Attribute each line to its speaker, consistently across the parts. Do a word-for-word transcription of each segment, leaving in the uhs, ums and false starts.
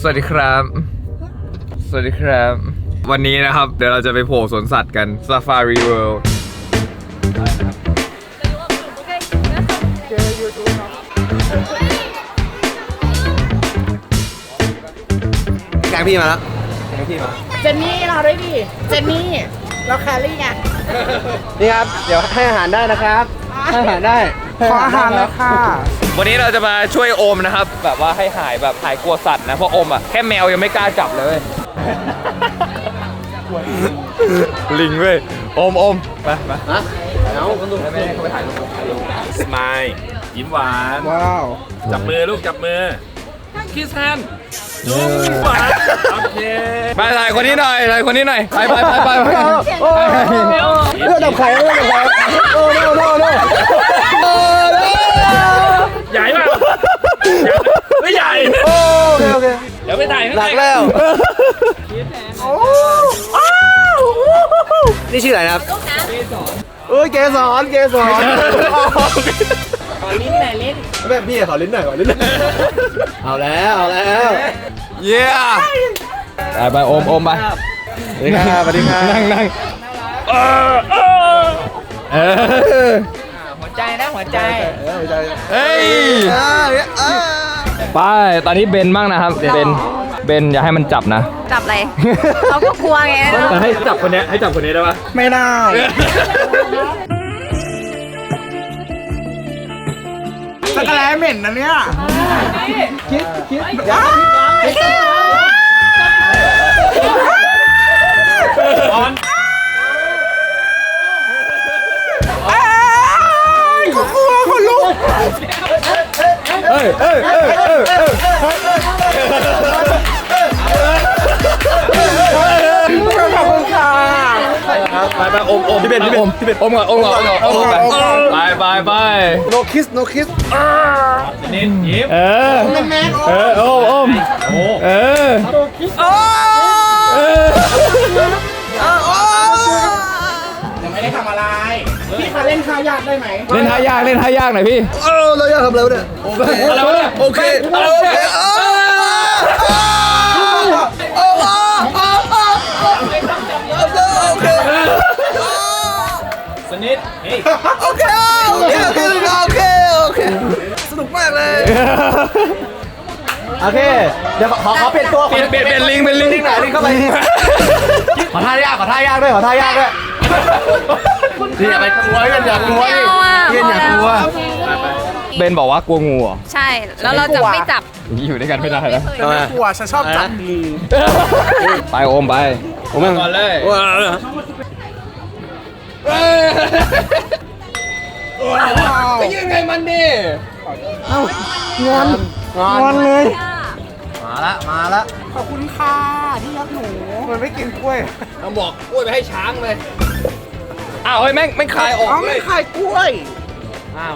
Speaker 1: วัสดีครับสวัสดีครับวันนี้นะครับเดี๋ยวเราจะไปโผล่สวนสัตว์กัน Safari World
Speaker 2: แกงพี่มาแล้วแกงพี่มา
Speaker 3: เจนนี่เราด้วยดิเจนนี่เราแครี่ไง
Speaker 2: นี่ครับเดี๋ยวให้อาหารได้นะครับให้อาหารได้
Speaker 3: ขออาหารเลยค่ะ
Speaker 1: วันนี้เราจะมาช่วยโอมนะครับแบบว่าให้หายแบบหายกลัวสัตว์นะเพราะโอมอ่ะแค่แมวยังไม่กล้าจับเลยลิงเว้ยโอมโอมไปไป
Speaker 2: ฮะเอาคนดู
Speaker 1: ไม่ให้เขาไปถ่ายรูป
Speaker 4: สมายยิ้มหวาน
Speaker 3: ว้าว
Speaker 4: จับมือลูกจับมือคิสแฮนด์หวานโอเค
Speaker 1: ไปถ่ายคนนี้หน่อยถ่ายคนนี้หน่อยไปไปไปไปไป
Speaker 2: เลือดดับไข่เลือดดับไข่โอ้โน่โน่โน่
Speaker 4: ใหญ่ป่ะไม่ใหญ่
Speaker 2: โอเคโอเค
Speaker 4: เดี๋ยวไปถ่ายข้าง
Speaker 2: ห
Speaker 4: ใน
Speaker 2: นักแล้วนี่ชื่ออะไรนะครับเอ้ยเกสรเกสรขอลิ้นหน่อยลิ้นแบบพี่ขอลิ้นหน่อยขอลิ้นหน่อยเอาแล้วเอาแล้ว
Speaker 1: เย้ไปไปโอมโอมไป
Speaker 2: สวัสดีครับสวัสดีครับ
Speaker 1: นั่งนั่งเออเออ
Speaker 3: หัวใจนะหัวใจ
Speaker 1: เฮ้ยไปตอนนี้เบนบ้างนะครับเบนเบนอย่าให้มันจับนะ
Speaker 5: จับอะไร เขาก็กลัวไง
Speaker 4: แต่ให้จับคนนี้ให้จับคนนี้ได้ปะ
Speaker 3: ไม่ได้สกแลเหม็นนะเนี่ยคิดคิด
Speaker 4: ออน
Speaker 3: กูกลัวคนลุก
Speaker 1: เอ้ยเอ้ยเอ้ยเอ้ยเอ้ย
Speaker 3: ขอบคุณค่ะ
Speaker 1: ไปไปโอมโอมพี่เบนพี่เบนพี่เบนโอมก่อนโอมก่อนโอมก่อนไปไปไป
Speaker 2: no kiss no kiss
Speaker 4: นิดยิ้ม
Speaker 1: เออเออโอมโอมเออเออ
Speaker 3: ยังไม่ได้ทำอะไรพี่คะเล่นท่ายากได้ไหม
Speaker 1: เล่นท่ายากเล่นท่ายากหน่อยพี่
Speaker 2: เออเราอยากทำอะไรวะเนี่ยโอเค
Speaker 1: อะไรวะเนี่ย
Speaker 2: โอเคโอเคโอเค
Speaker 4: สนิทเฮ้ย
Speaker 2: โอเคโอเคโอเคโอเคโอเคสนุกมากเลยโอเคเดี๋ยวขอขอเปลี่ยนตัว
Speaker 1: เปลี่ยนเปลี่ยนเปลี่ยนลิงเป็นลิง
Speaker 2: ลิงไหนลิงเข้าไปขอท่ายากขอท่ายากด้วยขอท่ายากด้วยนี่อย่าไปกลัวอย่ากลัว
Speaker 5: ไม่เอาอ่ะ
Speaker 2: เย็นอย่ากลัว
Speaker 1: เบนบอกว่ากลัวงูเหรอ
Speaker 5: ใช่ แล้วเราจะไม่จับ
Speaker 1: อย่างนี้อยู่ด้วยกันไม่ได้แล้ว
Speaker 2: ทำไม
Speaker 3: กลัวฉันชอบจับงู
Speaker 1: ไปโอมไปโอมก่อนเลยไปยืนไงมันดิ
Speaker 2: งอนงอนเลยมาละมาละ
Speaker 3: ขอบคุณค่ะที่รักหนูมันไม่กินกล้วย
Speaker 1: ต้องบอกกล้วยไปให้ช้างเลยอ้าวเฮ้ยแม่งแม่งคายออก
Speaker 3: อ๋อ
Speaker 1: เล
Speaker 3: ไม่
Speaker 1: ย
Speaker 3: ขายกล้วย
Speaker 1: อ้าว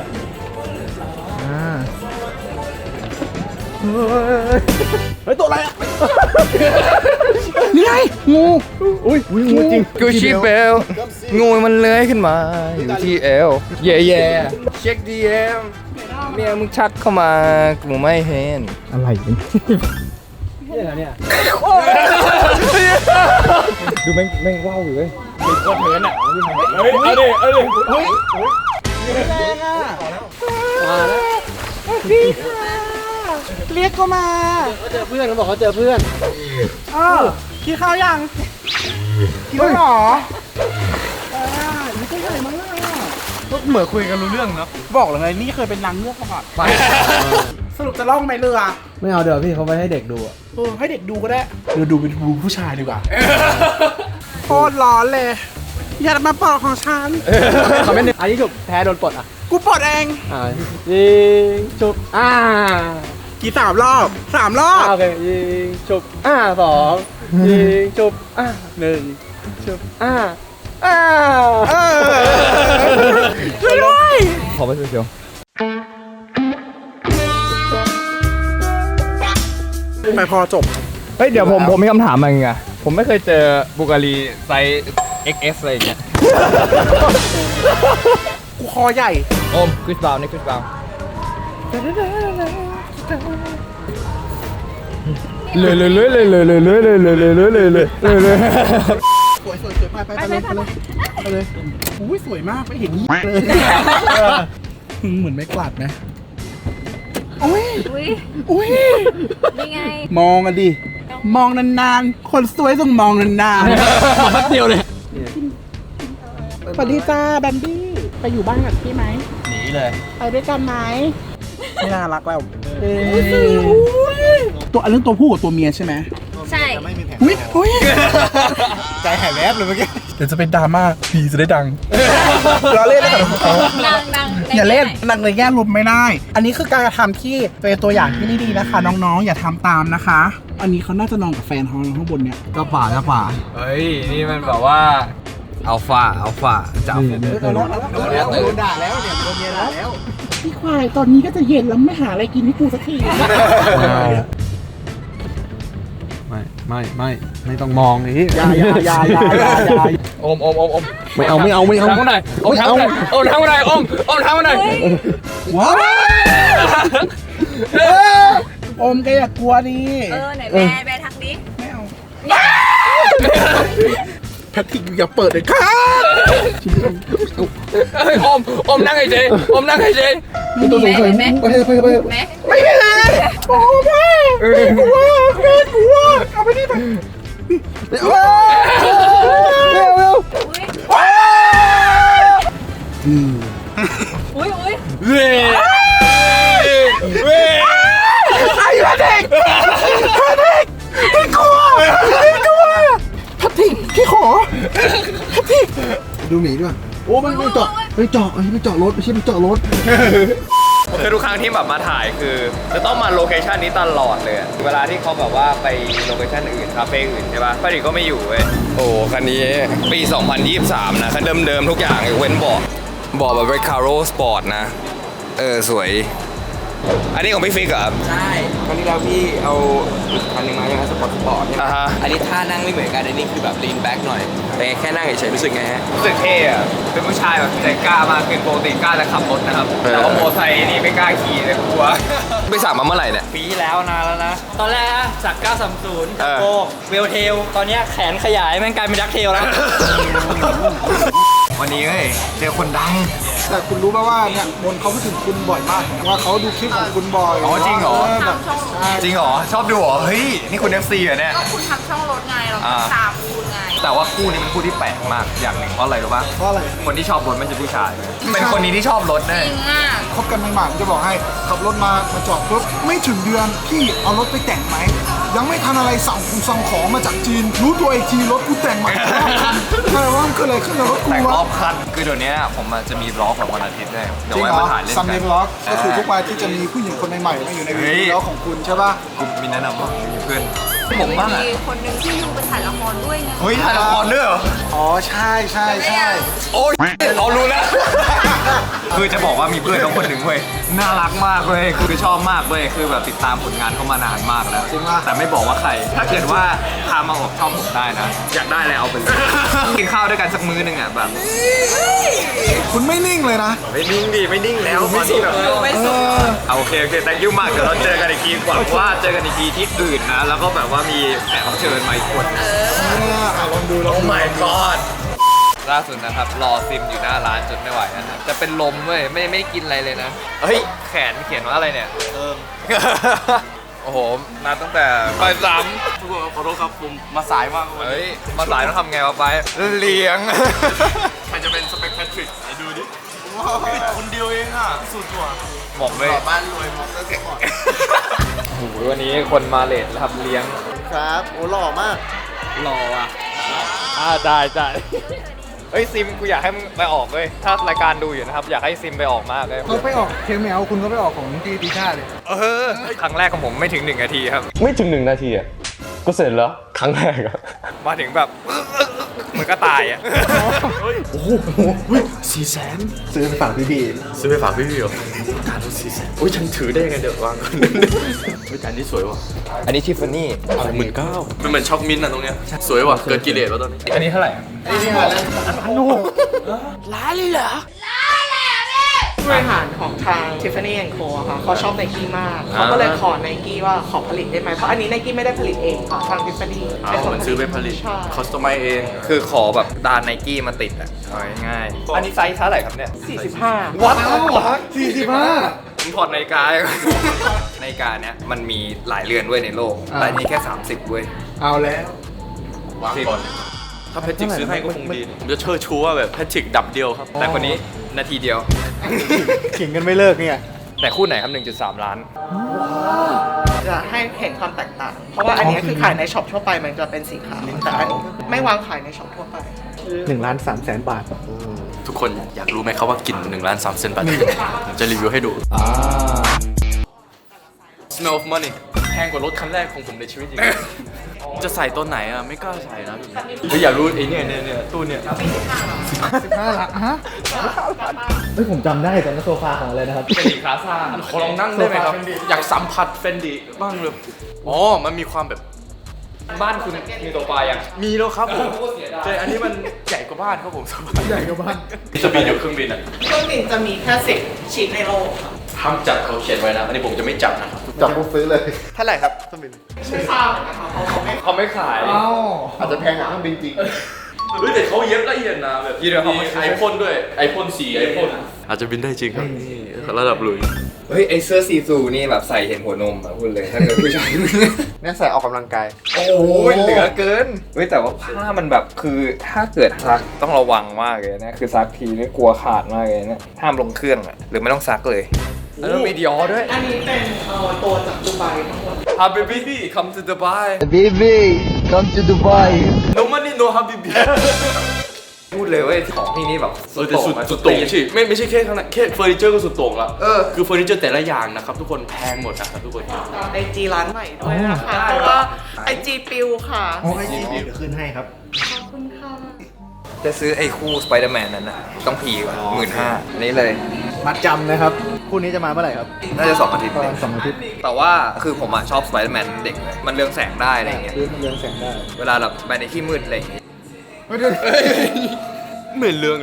Speaker 2: เฮ้ยตัวอะไรอ่ะ
Speaker 3: นี่ไงงู
Speaker 2: อุ้ยอุ้ยงูจริง
Speaker 1: กูชีเบลงูมันเลื้อยขึ้นมาอยู่ที่เอวเย่เย่เช็คดีเอ็มเมียมึงชัดเข้ามากูไม่เห็นอะไรเนี่ยดูแม่งแม่งว้าวอยู่เลย
Speaker 4: เฮ้ยเอาดิเอาดิเฮ้ย
Speaker 3: เรียกก็มา
Speaker 2: เขาเจอเพื่อนเขาบอกเขาเจอเพื่อน
Speaker 3: เออกินข้าวยังกินแล้วเหรอเออนี่เป็นอะไรมั้งอ่ะ
Speaker 2: เหมือนคุยกันรู้เรื่องเนาะ
Speaker 3: บอกเลยไงนี่เคยเป็นนางเงือกมาก่อนสรุปจะล่องไหมเรือ
Speaker 2: ไม่เอาเดี๋ยวพี่เขาไปให้เด็กดูอ่ะ
Speaker 3: เออให้เด็กดูก็ได้เดี๋ยวดูเป็นดูผู้ชายดีกว่าโคตรร้อนเลยอย่ามาปอกของฉัน
Speaker 2: เขาไม่นึกอันนี้จุบแพ้โดนปลดอ่ะ
Speaker 3: กูปลดเอง
Speaker 2: อ่ายิงจุบอ่า
Speaker 3: กี่สามรอบสามรอบ
Speaker 2: โอเคยิงจุบอ่าสองยิงจุบอ่าหนึ่งจุบอ่าอ่า
Speaker 3: เออช่วยด้วย
Speaker 1: ขอไปเชียว
Speaker 3: ไปพอจบ
Speaker 1: เฮ้ยเดี๋ยวผมผมมีคำถามมาไงผมไม่เคยเจอบูการีไซส์ เอ็กซ์ เอส อะไรอย่างเงี้ย
Speaker 3: กูคอใหญ่
Speaker 1: โอมคริสบาวนี่คริสบาว
Speaker 5: น
Speaker 1: เลยเลยเลยเลยเลยเลยเลยเลยเลยเลยเลยเลยเลย
Speaker 3: สวยสวยสวยไปไปไปเลยไปเลยไปเลยอุ้ยสวยมากไม่เห็นยี่เลยเหมือนไม่กวาดนะอุ้ย
Speaker 5: อุ้ย
Speaker 3: อุ้ย
Speaker 5: นี่ไง
Speaker 3: มองกันดิมองนานๆคนสวยต้องมองนานๆแป๊บเดียวเลยสวัสดีจ้าแบมบี้ไปอยู่บ้านกับพี่ไหม
Speaker 2: หนีเลย
Speaker 3: ไปด้วยกันไหมไม่น่ารักแล้วตัวอันนี้ตัวผู้กับตัวเมียใช่ไหม
Speaker 5: ใช่
Speaker 3: อุ้ยอุ้ย
Speaker 2: ใจหายแวบเลยเมื่อกี้
Speaker 3: เดี๋ยวจะเป็นดราม่าพีจะได้ดังเราเล่นแล้วกัน
Speaker 5: ดังดัง
Speaker 3: อย่าเล่นดังในแง่ลมไม่ได้ อันนี้คือการกระทำที่เป็นตัวอย่างที่ไม่ดีนะคะ น้องๆอย่าทำตามนะคะ อันนี้เขาน่าจะนอนกับแฟนเขาข้างบนเนี่ย
Speaker 2: ก็ฝ่าก็ฝ่า
Speaker 1: เฮ้ยนี่มันแบบว่าอัลฟาอัลฟาจับ
Speaker 3: โดน
Speaker 2: โดนแล้วโดนด่าแล้วเนี่ยโดนเมียด่าแล้ว
Speaker 3: พี่ควายตอนนี้ก็จะเย็นแล้วไม่หาอะไรกินให้กูสักที
Speaker 2: ไม่ไม่ไม่ไม่ต้องมองนี่
Speaker 3: อย่าอย่าอย่าอย่าอย่าอย่า
Speaker 1: อมอมอมอม
Speaker 2: ไม่เอาไม่เอาไม่เอา
Speaker 1: ทำหน่อยอมทำหน่อยอมทำหน่อยอมอมทำหน่อย
Speaker 3: ว้าวอมแกอย่ากลัวดิ
Speaker 5: เออไหนแม่แม่ทักดิ
Speaker 3: ไม่เอาแพทริกอย่าเปิดเลยครับ
Speaker 1: เฮ้ยอมอมนั่งไอ้เจอมนั่งไอ้เจ
Speaker 5: แม่แม่
Speaker 2: ไปไปไป
Speaker 5: แม่
Speaker 3: ไม่เลยโอ้แม่กลัวแม่กลัวเอาไปนี่ไป
Speaker 2: เร็วเร็วเร็ว
Speaker 5: อุ้ยอุ้ยอุ้ย
Speaker 1: เว้ยเว้ย
Speaker 3: ไอ้แพทริกแพทริกพี่กลัวพี่กลัวแพทริกพี่ขอแพทริก
Speaker 2: ดูหมีด้วยโอ้มันมันเจาะไปเจาะไอ้ไปเจาะรถไม่ใช่ไปเจาะรถ
Speaker 1: คือทุกครั้งที่แบบมาถ่ายคือจะต้องมาโลเคชันนี้ตลอดเลยเวลาที่เขาแบบว่าไปโลเคชันอื่นคาเฟ่อื่นใช่ป่ะป้าดิก็ไม่อยู่เว้ยโอ้คันนี้ปี สองพันยี่สิบสาม นะคันเดิมๆทุกอย่างยกเว้นเบาะเบาะแบบเรคคาโรสปอร์ตนะเออสวยอันนี้ของพี่ฟิกเหรอครับ
Speaker 6: ใช่ครั้งที่แล้วพี่เอาอีกคันหนึ่งมาใช่ไหมสปอร์ตสปอร์ตใช่ไหม
Speaker 1: อ่าฮะ
Speaker 6: อันนี้ท่านั่งไม่เหมือนกันอันนี้คือแบบลีนแบ็กหน่อยเป็นไงแค่นั่งเฉยๆรู้สึกไงฮะ
Speaker 1: รู้สึกเท่อะเป็นผู้ชายแบบใจกล้ามากขึ้นปกติกล้าจะขับรถนะครับแต่ว่าโมอไซค์นี่ไม่กล้าขี่เลยกลัวไปสั่งมาเมื่อไหร่เนี่ย
Speaker 7: ปีที่แล้วนานแล้วนะ ตอนแรกอะจากเก้าสามศูนย์
Speaker 1: เออ
Speaker 7: โกเวลเทล ตอนเนี้ยแขนขยายแม่งกลายเป็นดักเทลแล้ว
Speaker 1: วันนี้เฮ้ยเจอคนดัง
Speaker 3: แต่คุณรู้ไหมว่าเนี่ยมนเขาพูดถึงคุณบ่อยมากว่าเขาดูคลิปของคุณบ่อย
Speaker 1: อ๋อจริงเหรอ
Speaker 3: แบบ
Speaker 1: จริงเหรอชอบดูเหรอเฮ้ยนี่คุณ เอฟ ซี เหรอเนี่ย
Speaker 5: ก็คุณทำช่องรถไงเรา
Speaker 1: อ่า
Speaker 5: ตามคุณไง
Speaker 1: แต่ว่าคู่นี้เป็นคู่ที่แปลกมากอย่างหนึ่งเพราะอะไรรู้ป่ะ
Speaker 3: เพราะอะไร
Speaker 1: คนที่ชอบรถไม่ใช่ผู้ชาย เป็นคนนี้ที่ชอบรถ
Speaker 5: จ
Speaker 1: แน่
Speaker 5: ริงอ่ะ
Speaker 3: คบกันใหม่ๆผมจะบอกให้ขับรถมามาจอดปุ๊บไม่ถึงเดือนพี่เอารถไปแต่งไหมยังไม่ทันอะไรสั่งคุสั่งของมาจากจีน รู้ตัวอีกทีรถกูแต่งใหม่อะไรวะมันเกิดอะไรขึ้นกับรถกู
Speaker 1: แต่งร
Speaker 3: วะ
Speaker 1: อบคันคือเดี๋ยวนี้ผมอาจจะมีบล็อกของวันอาทิตย์ด้วยเดี๋ยว
Speaker 3: จริง
Speaker 1: ไว้
Speaker 3: เหรอ
Speaker 1: มาถ่ายเล่น
Speaker 3: ซัม
Speaker 1: กั
Speaker 3: เด
Speaker 1: น
Speaker 3: ย์บล็อกก็คือทุกวันที่จะมีผู้หญิงคนใหม่ๆมาอยู่ในวีดีโอของคุณใช่ป่ะ
Speaker 1: กูมีแนะนำว่ามีเพื่อนผมบ้างอะ
Speaker 5: มีคนหนึ่งที่อยู่ไปถ่ายละครด้วยไง
Speaker 1: เฮ้ยถ่ายละครด้วยเหรอ
Speaker 3: อ๋อใช่ใช่ใช่
Speaker 1: โอ้ยเรารู้แล้ว คือจะบอกว่ามีเพื่อนเขาคนหนึ่งเว้ยน่ารักมากเว้ยคือชอบมากเว้ยคือแบบติดตามผลงานเขามานานมากแล้ว
Speaker 3: จริงป่ะ
Speaker 1: แต่ไม่บอกว่าใคร ถ้าเกิดว่าพามาออกช่องผมได้นะ อยากได้เลยเอาไปเลย กินข้าวด้วยกันสักมื้อหนึงอ่ะแบบ
Speaker 3: คุณไม่นิ่งเลยนะ
Speaker 1: ไม่นิ่งดิไม่นิ่งแล้วตอนนี้แบบ
Speaker 5: ไม่สุด
Speaker 1: เอาโอเคโอเค thank you มากเดี๋ยวเราเจอกันอีกทีหวังว่าเจอกันอีกทีที่อื่นนะ แล้วก็แบบว่ามีแขกรับเชิญมาอีกคน
Speaker 3: อ่ะลองดูลอง
Speaker 1: โอ้
Speaker 3: ดู
Speaker 1: my god ล่าสุดนะครับรอซิมอยู่หน้าร้านจนไม่ไหวแล้วนะจะเป็นลมเว้ยไม่ไม่ได้กินอะไรเลยนะ เฮ้ย แขนเขียนว่าอะไรเนี่ยเอิม โอ้โห มาตั้งแต่บ่ายสาม
Speaker 6: ขอโทษครับผมมาสายมากวัน
Speaker 1: เฮ้ย มาสายต้องทำไงวะไป เลี้ยง
Speaker 6: ใครจะเป็นสเปคแพทริกไอ้ดูดิคนเดียวเองอ่ะสุดว่ะ
Speaker 1: บอกเลย
Speaker 6: บ้านรวยมองตั้งแต่ก่อน
Speaker 1: โอ้โหวันนี้คนมาเลทแล้วครับเลี้ยง
Speaker 2: ครับโอ้หล่อมาก
Speaker 1: รออ่ะอ่าได้ได้เฮ้ยซิมกูอยากให้มึงไปออกเลยถ้ารายการดูอยู่นะครับ อยากให้ซิมไปออกมากเลย
Speaker 3: เขาไปออกเคมแมวคุณก็ไปออกของที่ตีชาเลย
Speaker 1: เออครั้งแรกของผมไม่ถึงหนึ่งนาทีครับ
Speaker 8: ไม่ถึงหนึ่งนาทีอ่ะ ก็เสร็จแล้ว ครั้งแรกอ่ะ
Speaker 1: มาถึงแบบ เหมือนก็ตายอ่ะ
Speaker 2: สี่แสนซื้อไปฝากพี่บี
Speaker 8: ซื้อไปฝากพี่พี่เหรอการรถสี่แสนโอ้ยฉันถือได้ยังไงเดี๋ยววางก่อนเฮ้ยแต่อันนี้สวยว่ะ
Speaker 1: อันนี้ทิฟฟานี่
Speaker 8: หมื่นเก้ามันเหมือนช็อกมิ้นท์อะตรงเนี้ยสวยว่ะ เกินกิเลสแล้วตอนนี้
Speaker 1: อันนี้เท่าไหร่
Speaker 3: เว
Speaker 9: บริหารของทาง Tiffany แอนด์ Co อะค่ะเขาชอบไนกี้มาก เขาก็เลยขอไนกี้ว่าขอผลิตได้ไหม เพราะอันนี้ไนกี้ไม่ได้ผลิตเองค่ะทาง Tiffany
Speaker 8: เอามันซื้อไปผลิต
Speaker 9: ใช่
Speaker 8: คอสตอมไมเอง
Speaker 1: คือขอแบบดานไนกี้มาติดอ่ะเอาง่ายๆอันนี้ไซส์เท่าไหร่ครับเนี่ย
Speaker 9: สี่สิบห้า
Speaker 1: วัด
Speaker 2: สี่สิบห้า
Speaker 1: ผมถอดนาฬิกา นาฬิกาเนี้ยมันมีหลายเรือนด้วยในโลก
Speaker 2: อ่า
Speaker 1: แต่อันนี้แค่ สามสิบเว้ย
Speaker 2: เอาแล้ว
Speaker 8: วางก่อน ถ้าแพทริกซื้อให้ก็คงดี ผมจะเชิดชูว่าแบบแพทริกดับเดียวครับ
Speaker 1: แต่คนนี้นาทีเดียว
Speaker 2: ขิงกันไม่เลิกเนี่ย
Speaker 1: แต่คู่ไหนครับ หนึ่งจุดสาม ล้าน
Speaker 9: จะให้เห็นความแตกต่าง เพราะว่าอันนี้คือขายในช็อปทั่วไปมันจะเป็นสีขาว แต่อันนี้ไม่วางขายในช็อปทั่วไป
Speaker 2: หนึ่งล้านสามแสนบาท
Speaker 8: ทุกคนอยากรู้ไหมครับว่ากลิ่นหนึ่งล้านสามเซนบาทผมจะรีวิวให้ดู Smell of money แพงกว่ารถคันแรกของผมในชีวิตอีก จะใส่ตัวไหนอ่ะ ไม่กล้าใส่นะหรืออยากรู้ไอ้เนี่ยเนี่ยเนี่ยตู้เนี่ย
Speaker 2: สิบห้าล้านฮะเฮ้ยผมจำได้ตอนนั้นโซฟาของอะไรนะครับ
Speaker 1: เป็นสีคลาซ่า
Speaker 8: ขอลองนั่งได้ไหมครับ อยากสัมผัสเฟนดิบ้างเลยอ๋อ มันมีความแบบ
Speaker 1: บ้านคุณมีโซฟายัง
Speaker 8: มีแล้วครับผมเจออันนี้มันใหญ่กว่าบ้านครับผมสบาย
Speaker 2: ใหญ่กว่าบ้าน
Speaker 8: จะบินอยู่เครื่องบินอ่ะ
Speaker 9: เครื่องบินจะมีแค่สิบชิ้นในโลกค่ะ
Speaker 8: ห้ามจับเขาเขียนไว้นะ อันนี้ผมจะไม่จับนะครับ
Speaker 2: จับปุ๊บซื้อเลย
Speaker 3: เท่าไหร่ครับเครื่องบิน
Speaker 9: ไม่ทราบเหมือนกันค่ะเพราะเขาไม่
Speaker 1: เขาไม่ขาย
Speaker 2: เอ้า
Speaker 3: อาจจะแพงกว่าเครื่องบินจริง
Speaker 8: เฮ้ยแต่เขาเย็บละเอียดนะแบบ
Speaker 1: ยี่เดียวเขาไม่
Speaker 8: ไอพ่นด้วยไอพ่นสีไอพ่นอาจจะบินได้จริงครับระดับลุย
Speaker 1: เฮ้ย ไอเสื้อซีซูนี่แบบใส่เห็นหัวนมอ่ะพูดเลย ถ้าเกิดผู้ชาย
Speaker 3: เนี่ยใส่ออกกำลังกาย
Speaker 1: โอ้ยเหลือเกิน เฮ้ยแต่ว่าผ้ามันแบบคือถ้าเกิดซักต้องระวังมากเลยนะ คือซักทีนี่กลัวขาดมากเลยนะห้ามลงเครื่องอ่ะ หรือไม่ต้องซักเลยแล้วต้องมีดิออด้วย
Speaker 9: อันนี้เป็นเอ่อตัวจากดูไบทั้งหมด
Speaker 1: Habibi come to Dubai
Speaker 3: Baby come to Dubai
Speaker 8: no money no habibi
Speaker 1: พูดเลยเว้ยของที่นี่แบบ
Speaker 8: เออแต่สุดสุดโต่งใช่ไม่ไม่ใช่แค่ขนาดแค่เฟอร์นิเจอร์ก็สุดโต่งละเออคือเฟอร์นิเจอร์แต่ละอย่างนะครับทุกคนแพงหมดนะครับทุกคน
Speaker 9: ไอจีร้านใหม่ด้วยนะคะเพราะว่าไอจีปิวค่ะ
Speaker 2: โอ้ยเดี๋ยวขึ้นให้ครับ
Speaker 9: ขอบคุณค่ะ
Speaker 1: จะซื้อไอ้คู่สไปเดอร์แมนนั้นน่ะต้องพีกว่าหมื่นห้านี่เลย
Speaker 2: มัดจำนะครับ คู่นี้จะมาเมื่อไหร่ครับ
Speaker 1: น่าจะสองอาทิตย์
Speaker 2: ประ
Speaker 1: เล
Speaker 2: มาณ
Speaker 1: ย
Speaker 2: สองอาทิตย์
Speaker 1: แต่ว่าคือผมอะชอบสไปเดอร์แมนเด็กเลยมันเรืองแสงได้อะไรอย่างเงี้ย
Speaker 2: คือมันเรืองแสงได้
Speaker 1: เวลาแบบไปในที่มืดอะไรอย่างเงี้ย
Speaker 2: ไม่ได้
Speaker 8: เหมือนเรื่องเลย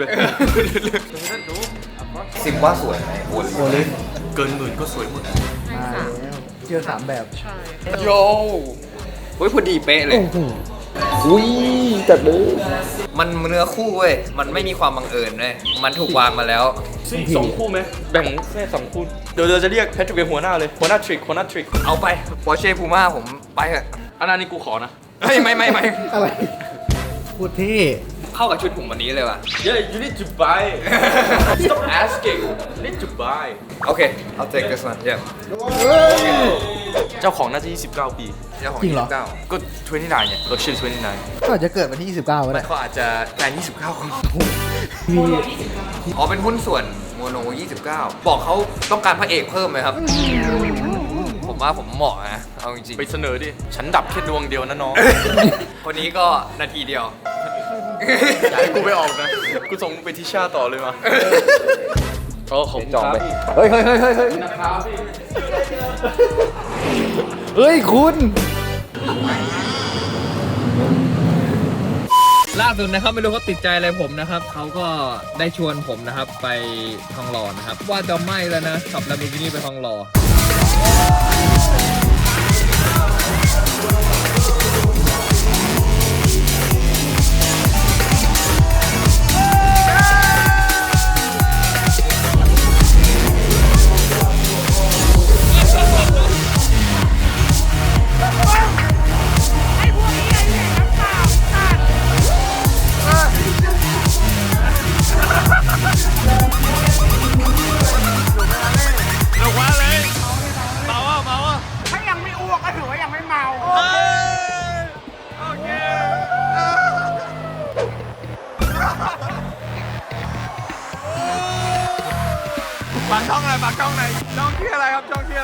Speaker 1: ซิมว่าสวยไหมโอ้ย
Speaker 2: โอลิฟ
Speaker 8: เกินหมื่นก็สวยหมด
Speaker 2: มาแล้วเจอสามแบบ
Speaker 9: ใช่
Speaker 1: โยเฮ้ยพอดีเป๊ะเลย
Speaker 2: โอ้โหอุ้ยจัดเลย
Speaker 1: มันเนื้อคู่เว้ยมันไม่มีความบังเอิญเลยมันถูกวางมาแล้ว
Speaker 8: สองคู่ไหมแบ่งแค่สองคู่เดี๋ยวเราจะเรียกแพทริกเป็นหัวหน้าเลยหัวหน้าทริกหัวหน้าทริก
Speaker 1: เอาไปปอร์เช่พูม่าผมไปเถอะ
Speaker 8: อันนั้นนี่กูขอนะ
Speaker 1: ไม่ไม่ไม่ไม่
Speaker 2: อะไรพูดที่
Speaker 1: เข้ากับชุดผมวันนี้เลยว่ะ
Speaker 8: Yeah you need to buy stop asking you need to buy
Speaker 1: โอเค I'll take this one yeah
Speaker 8: เจ้าของน่าจะยี่สิบเก้าปี
Speaker 1: เจ้าของ
Speaker 2: จริงเหรอ
Speaker 1: ยี่สิบเก้า
Speaker 8: ก็ยี่สิบเก้าเนี่ยรถชื่อยี่สิบเก้า
Speaker 2: ก็อาจจะเกิดวันที่ยี่สิบเก้าก็ได้
Speaker 1: เขาอาจจะแฟนยี่สิบเก้าคน
Speaker 2: มี
Speaker 1: อ๋อเป็นหุ้นส่วนโมโนยี่สิบเก้าบอกเขาต้องการพระเอกเพิ่มไหมครับ ผมว่าผมเหมาะนะ เอาจริง
Speaker 8: ไปเสนอดิ ฉันดับแค่ดวงเดียวนะน้อง
Speaker 1: ๆ คนนี้ก็นาทีเดียว
Speaker 8: อยากให้กูไปออกนะ กูส่งมึงไปทิชาต่อเลยมาโอ้ของ
Speaker 1: จองไป
Speaker 2: เฮ้ยเฮ้ยเฮ้ยเฮ้ยเฮ้ยเฮ้ยคุณ
Speaker 7: ล่าสุดนะครับไม่รู้เขาติดใจอะไรผมนะครับเขาก็ได้ชวนผมนะครับไปทองหล่อนะครับ ว่าจะไม่แล้วนะขับ Lamborghini ไปทองหล่อฝากช่องหน่อยฝากช่องหน่อยช่องที่อะไรครับช่องที่